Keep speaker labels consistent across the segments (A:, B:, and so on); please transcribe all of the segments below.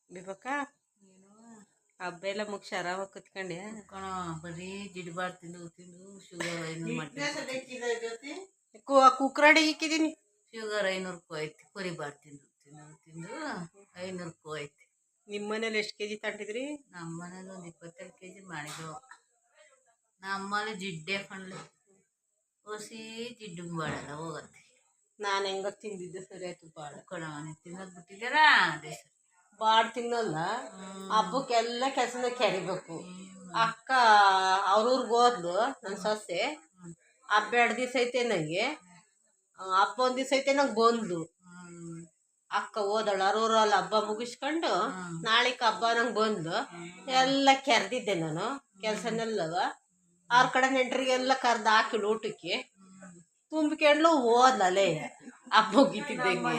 A: ಬಿಬಕ್ಕ ಹಬ್ಬ ಎಲ್ಲ ಮುಗಿಸಿ ಆರಾಮಾಗಿ ಕುತ್ಕೊಂಡ್ಯಾ
B: ಕಣ ಬರೀ ಜಿಡ್ಬಾರ್ದು ತಿಂದು ತಿಂದು ಶುಗರ್ 500 ಮಾಡ್ತೀನಿ.
A: ಕುಕ್ಕರಡಿ ಇಕ್ಕಿದೀನಿ.
B: ಶುಗರ್ 500 ಐತಿ. ಕುರಿಬಾರ್ದು ತಿಂದು ತಿಂದು ತಿಂದು 500 ಐತಿ.
A: ನಿಮ್ಮ ಮನೇಲಿ ಎಷ್ಟು ಕೆಜಿ ತಗೊಂಡಿದ್ರಿ?
B: ನಮ್ಮ ಮನೇಲಿ ಒಂದು 22 kg ಮಾಡಿದೆವು. ನಮ್ಮಲ್ಲಿ ಜಿಡ್ಡೆ ಕಣ್ಲಿ ಹೊಸಿ ಜಿಡ್ಡು ಬಾಡಲ್ಲ ಹೋಗತ್ತೆ.
A: ನಾನು ಹೆಂಗ ತಿಂದಿದ್ದೆ ಸರಿ ಆಯ್ತು. ಬಾಡ
B: ಕಣ ತಿನ್ನೋದು ಬಿಟ್ಟಿದ್ದಾರಾ ಅದೇ ಸರಿ.
A: ಬಾಡ್ ತಿನ್ನಲ್ಲ. ಹಬ್ಬಕ್ಕೆಲ್ಲ ಕೆಲಸನ ಕೆರಿಬೇಕು. ಅಕ್ಕ ಅವ್ರೂರ್ಗೆ ಹೋದ್ಲು ನನ್ನ ಸೊಸೆ. ಹಬ್ಬ 2 ದಿವಸ ಐತೆ ನನಗೆ. ಹಬ್ಬ 1 ದಿವಸ ಐತೆ ನಂಗೆ ಬಂದ್ಲು. ಅಕ್ಕ ಹೋದಳು ಅವ್ರೂರಲ್ಲಿ ಹಬ್ಬ ಮುಗಿಸ್ಕೊಂಡು ನಾಳೆಗೆ ಹಬ್ಬ ನಂಗೆ ಬಂದು ಎಲ್ಲ ಕೆರೆದಿದ್ದೆ ನಾನು ಕೆಲಸನೆಲ್ಲವ. ಅವ್ರ ಕಡೆ ನೆಂಟ್ರಿಗೆಲ್ಲ ಕರ್ದು ಹಾಕಿಳು ಊಟಕ್ಕೆ ತುಂಬಿಕೊಂಡು ಹೋದ್ಲೇ ಹಬ್ಬ ಮುಗಿತಿದ್ದಂಗೆ.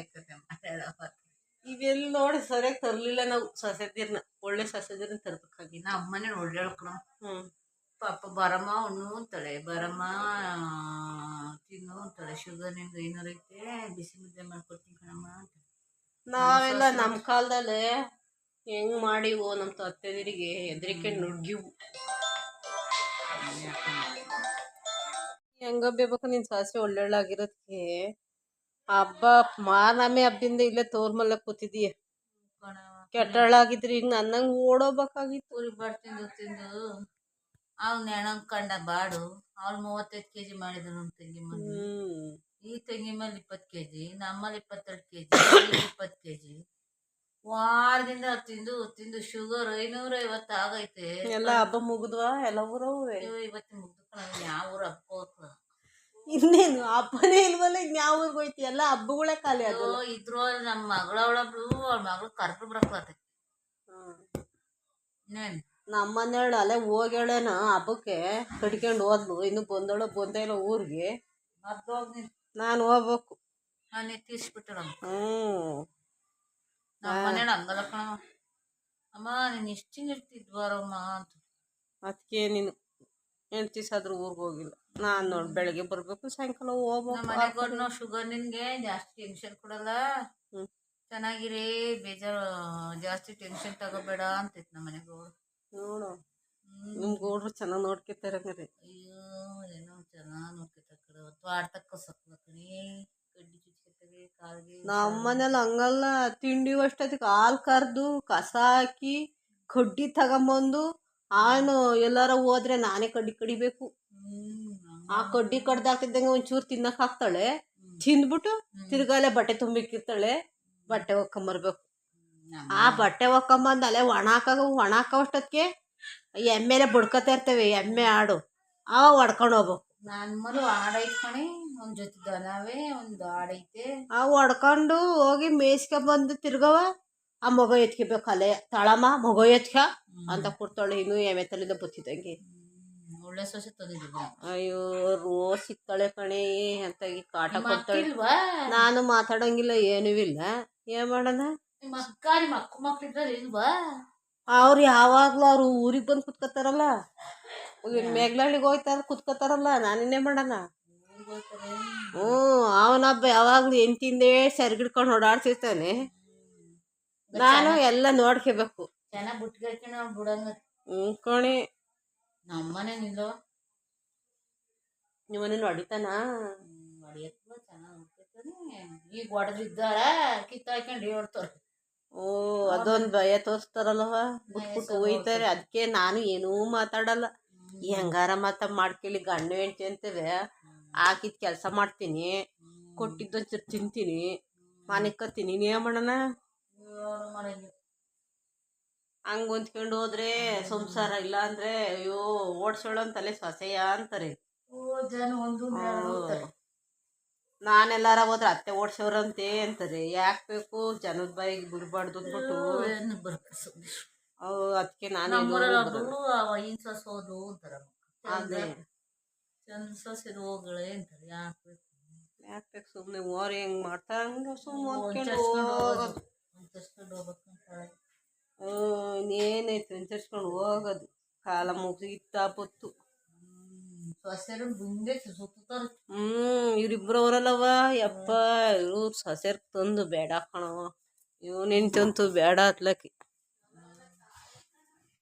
A: ಇವೆಲ್ಲ ನೋಡಿ ಸರಿಯಾಗಿ ತರ್ಲಿಲ್ಲ ನಾವು. ಸೊಸೆದಿರ್ನ ಒಳ್ಳೆ ಸೊಸೆದಿರ್ನ ತರ್ಬೇಕಾಗಿ.
B: ನಮ್ಮ ಮನೇಲಿ ಒಳ್ಳೆ ಹೇಳ್ಕೊಳ. ಪಾಪ ಬರಮ್ಮ ಉಣ್ಣು ಅಂತಾಳೆ, ಬರಮ್ಮ ತಿನ್ನು ಅಂತಾಳೆ. ಶುಗರ್ ನಿಮ್ಗೆ 500 ಐತೆ, ಬಿಸಿ ಮುದ್ದೆ ಮಾಡ್ಕೊಡ್ತೀನಿ ಕಣಮ್ಮ ಅಂತ.
A: ನಾವೆಲ್ಲ ನಮ್ಮ ಕಾಲದಲ್ಲಿ ಹೆಂಗ್ ಮಾಡಿವು ನಮ್ಮ ತತ್ತೆದಿರಿಗೆ ಹೆದರಿಕೆ ನುಗ್ಗಿವು. ಹೆಂಗ ಬೇಕು ನಿನ್ ಸಾಸಿ ಒಳ್ಳೆಳ್ಳಾಗಿರೋದಕ್ಕೆ ಹಬ್ಬ ಮಾನಮೆ ಹಬ್ಬದಿಂದ ಇಲ್ಲೇ ತೋರ್ಮಲ್ಲ ಕೂತಿದೀಯ. ಕೆಟ್ಟಳಾಗಿದ್ರಿ ಈಗ ನನ್ನಂಗೆ ಓಡೋಬೇಕಾಗಿತ್ತು.
B: ಕುರಿಬಾರ್ದು ತಿಂದು ತಿಂದು ಅವ್ನ ಹೆಣಂಗ್ ಕಂಡ ಬಾಡು. ಅವ್ಳು 35 kg ಮಾಡಿದ್ರು ನಮ್ಮ ತಂಗಿ ಮನೆ. ಈ ತಂಗಿ ಮೇಲೆ 20 kg, ನಮ್ಮಲ್ಲಿ 22 kg, 20 kg. ವಾರದಿಂದ ತಿಂದು ತಿಂದು ಶುಗರ್ 550 ಆಗೈತೆ.
A: ಎಲ್ಲ ಹಬ್ಬ ಮುಗಿದ್ವಾ? ಎಲ್ಲ ಊರವೇ
B: ಇವತ್ತು ಮುಗ್ದು ಯಾವ ಊರು ಹಬ್ಬ ಹೋಗ್ತದ?
A: ಇನ್ನೇನು ಹಬ್ಬನೇ ಇಲ್ವಲ್ಲ. ಇನ್ಯಾವ ಊರ್ಗೆ ಹೋಯ್ತಿ? ಎಲ್ಲ ಹಬ್ಬಗಳೇ ಖಾಲಿ ಆಗ
B: ಇದ್ರು. ನಮ್ಮ ಮಗಳವಳಬ್ಳು ಅವ್ಳ ಮಗಳು ಕರ್ದು ಬರಕತ್ತೆ.
A: ನಮ್ಮ ಮನೆಯಳು ಅಲ್ಲೇ ಹೋಗ್ಯಾಳೇನ ಹಬ್ಬಕ್ಕೆ ಕಟ್ಕೊಂಡು ಹೋದ್ಲು. ಇನ್ನು ಬಂದಳು ಬಂದೇ ಇಲ್ಲ ಊರಿಗೆ. ನಾನು ಹೋಗ್ಬೇಕು.
B: ನಾನು ತೀರ್ಸ್ಬಿಟ್ಟಳ. ನಮ್ಮ ಮನೇಲಿ ಹಂಗಲ್ಲ ಕಣವ. ಅಮ್ಮ ನೀನು ಇಷ್ಟು ಇರ್ತಿದ್ವಾರಮ್ಮ ಅಂತ.
A: ಅದಕ್ಕೆ ನೀನು ಹೆಂಡ್ತಿಸಾದ್ರೂ ಊರಿಗೆ ಹೋಗಿಲ್ಲ. ನಾನು ನೋಡಿ ಬೆಳಗ್ಗೆ ಬರ್ಬೇಕು ಸಾಯಂಕಾಲ ಹೋಗ್ಬೇಕು.
B: ನಾವು ಶುಗರ್ ನಿನ್ಗೆ ಜಾಸ್ತಿ ಟೆನ್ಷನ್ ಕೊಡಲ್ಲ, ಚೆನ್ನಾಗಿರಿ, ಬೇಜಾರು, ಜಾಸ್ತಿ ಟೆನ್ಷನ್ ತಗೋಬೇಡ ಅಂತಿತ್ತು ನಮ್ಮ ಮನೆಗೆ ಗೌಡ್ರು.
A: ನೋಡು ನಿಮ್ ಗೌಡ್ರು ಚೆನ್ನಾಗಿ ನೋಡ್ಕೊತಾರೆ ಹಂಗಾರೆ.
B: ಅಯ್ಯೋ ಏನೋ ಚೆನ್ನಾಗಿ ನೋಡ್ಕೊತಾರೆ ಕಡೆ. ತೋಟಕ್ಕೆ ಸಕ್ಲ ಕಣಿ, ಕಡ್ಡಿ ಚುಚ್ಕೊತವೆ ಕಾಲಿಗೆ.
A: ನಮ್ಮ ಮನೇಲಿ ಹಂಗಲ್ಲ. ತಿಂಡಿ ಅಷ್ಟೊತ್ತಿಗೆ ಹಾಲು ಕರೆದು ಕಸ ಹಾಕಿ ಕಡ್ಡಿ ತಗೊಂಬಂದು ಅವನು ಎಲ್ಲಾರ ಹೋದ್ರೆ ನಾನೇ ಕಡ್ಡಿ ಕಡಿಬೇಕು. ಆ ಕಡ್ಡಿ ಕಡ್ದಾಕ್ತಿದ್ದಂಗೆ ಒಂಚೂರು ತಿನ್ನಕ್ ಹಾಕ್ತಾಳೆ. ತಿಂದ್ಬಿಟ್ಟು ತಿರ್ಗಾಲೆ ಬಟ್ಟೆ ತುಂಬಿಕ್ಕಿರ್ತಾಳೆ. ಬಟ್ಟೆ ಒಕ್ಕೊಂಬರ್ಬೇಕು. ಆ ಬಟ್ಟೆ ಒಕ್ಕೊಂಬಂದು ಅಲ್ಲೇ ಒಣ ಹಾಕೋಷ್ಟೊತ್ತಿಗೆ ಎಮ್ಮೆಲೆ ಬಡ್ಕೊತಾ ಇರ್ತೇವೆ. ಎಮ್ಮೆ ಆಡು ಅವ ಹೊಡ್ಕೊಂಡು ಹೋಗ್ಬೇಕು.
B: ನನ್ನ ಮರು ಆಡೈತೆ ಕಣಿ, ಒಂದು ಜೊತೆ ದನವೇ ಒಂದು ಆಡೈತೆ.
A: ಅವು ಹೊಡ್ಕೊಂಡು ಹೋಗಿ ಮೇಯ್ಸ್ಕೊಂಬಂದು ತಿರ್ಗವ ಆ ಮಗ ಎತ್ಕೋಬೇಕು. ಅಲ್ಲೇ ತಳಮ್ಮ ಮಗ ಎತ್ಕ ಅಂತ ಕೊಡ್ತಾಳೆ. ಇನ್ನು ಎಮ್ಮೆ ತಲೆದ ಬತ್ತಿದಂಗೆ.
B: ಒಳ್ಳೆ ಸೊಸೆ ತಂದಿದ್ವಿ.
A: ಅಯ್ಯೋ ರೋಜ್ ಸಿಗ್ತಾಳೆ ಕಣೆ ಅಂತ ಕಾಟ ಕೊಡ್ತಾಳೆ. ನಾನು ಮಾತಾಡಂಗಿಲ್ಲ ಏನೂ ಇಲ್ಲ. ಏನ್ ಮಾಡೋಣ?
B: ಮಕ್ಳಿದ್ರೆ ಇಲ್ವಾ?
A: ಅವ್ರು ಯಾವಾಗ್ಲೂ ಅವ್ರು ಊರಿಗೆ ಬಂದು ಕುತ್ಕೋತಾರಲ್ಲ, ಮೇಘಲಹಳ್ಳಿಗೆ ಹೋಗ್ತಾರ ಕುತ್ಕೋತಾರಲ್ಲ. ನಾನಿನ್ನೇ ಮಾಡೋಣ? ಅವನಬ್ಬ ಯಾವಾಗ್ಲೂ ಎಂತಿಂದೇ ಸೆರ್ಗಿಡ್ಕೊಂಡು ಓಡಾಡ್ತಿರ್ತಾನೆ. ನಾನು ಎಲ್ಲ ನೋಡ್ಕೋಬೇಕು.
B: ಚೆನ್ನಾಗಿ ಬಿಟ್ಕೊಳ್ತೀನಿ ಅವ್ನು ಬಿಡಂಗ.
A: ಕಣೆ
B: ನಮ್ಮನೆ ನಿಲ್ಲೋ
A: ನಿಮ್ಮನೇನು ಹೊಡಿತಾನ?
B: ಹೊಡಿಯತ್ವ ಚೆನ್ನಾಗಿ ನೋಡ್ಕೊತಾನೆ. ಈಗ ಹೊಡೆದಿದ್ದಾರ ಕಿತ್ತಾಕೊಂಡು ಹೇಳ್ತಾರೆ.
A: ಅದೊಂದು ಭಯ ತೋರಿಸ್ತಾರಲ್ವ, ಬಿಟ್ಬಿಟ್ಟು ಹೋಯ್ತಾರೆ. ಅದಕ್ಕೆ ನಾನು ಏನೂ ಮಾತಾಡಲ್ಲ. ಹೆಂಗಾರ ಮಾಡ್ಕೊಳ್ಳಿ. ಗಂಡ ಹೆಂಡ್ತಿ ಅಂತೇವೆ ಹಾಕಿದ ಕೆಲಸ ಮಾಡ್ತೀನಿ, ಕೊಟ್ಟಿದ್ದೊಂಚೂರು ತಿಂತೀನಿ, ಮನೆ ಕತ್ತೀನಿ. ಇನ್ನೇನು ಮಾಡೋಣ? ಹಂಗೆ ಹೊಂದ್ಕೊಂಡು ಹೋದ್ರೆ ಸಂಸಾರ. ಇಲ್ಲ ಅಂದ್ರೆ ಅಯ್ಯೋ ಓಡ್ಸೋಳು ಅಂತಲೇ ಸೊಸೆಯ ಅಂತಾರೆ. ನಾನೆಲ್ಲಾರ ಹೋದ್ರೆ ಅತ್ತೆ ಓಡ್ಸೋರಂತೆ ಅಂತಾರೆ. ಯಾಕೆ ಬೇಕು ಜನದ ಬಾಯಿಗೆ ಬಿಡಬಾರ್ದು ಅಂದ್ಬಿಟ್ಟು ಅದಕ್ಕೆ ನಾನು
B: ಸೋದು ಅಂತಾರ. ಅದೇ ಚಂದ ಸೊಸೆದು ಹೋಗಳೆ ಅಂತಾರೆ.
A: ಯಾಕೆ ಬೇಕು ಸುಮ್ಮನೆ ಓರಿ ಹೆಂಗೆ ಮಾಡ್ತಾರ ಹಂಗೆ ಸುಮ್ಮನೆ ಇನ್ನೇನೈತೆ ಅಂಚರ್ಸ್ಕೊಂಡು ಹೋಗೋದು. ಕಾಲ ಮುಗಿತ ಬತ್ತು.
B: ಸೊಸೆರು ಮುಂದೆ ಸುತ್ತಾರೆ.
A: ಇವ್ರಿಬ್ರು ಅವರಲ್ಲವ ಯಪ್ಪ. ಇವ್ರು ಸೊಸೆರ್ ತಂದು ಬೇಡ ಕಣವ. ಇವ್ ನಿಂತಂತೂ ಬೇಡ ಅತ್ಲಕ್ಕಿ